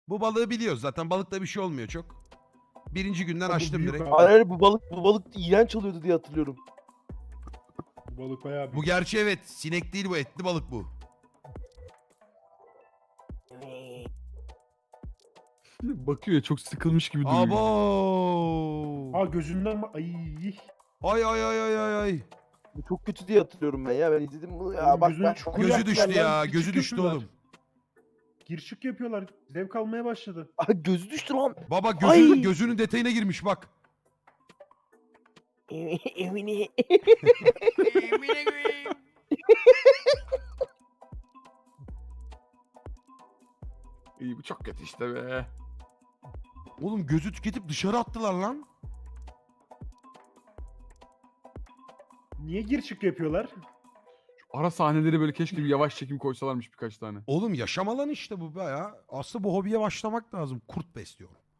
Bu balığı biliyoruz zaten. Balıkta bir şey olmuyor çok. Birinci günden Bu açtım büyük direkt. abi. Hayır bu balık iğrenç oluyordu diye hatırlıyorum. Bu balık bayağı Bu büyük. gerçi evet. Sinek değil bu. Etli balık bu. Bakıyor ya, çok sıkılmış gibi duruyor. Abo. Aa gözünden ay. Ay ay ay ay ay ay. Bu çok kötü diye hatırlıyorum ben ya. Ben izledim bunu ya. Oğlum Bak gözünü bak. çukur Gözü yaptılar düştü lan, ya. gir Gözü çık düştü yapıyorlar. oğlum. Gir çık yapıyorlar. Zevk almaya başladı. Aa, gözü düştü lan. Baba Ay. gözünün detayına girmiş bak. Emine. İyi, bu çok kötü işte be. Oğlum gözü tüketip dışarı attılar lan. Niye gir çık yapıyorlar? Ara sahneleri böyle keşke bir yavaş çekim koysalarmış birkaç tane. Oğlum yaşam alanı işte bu be ya. Aslında bu hobiye başlamak lazım. Kurt besliyorum.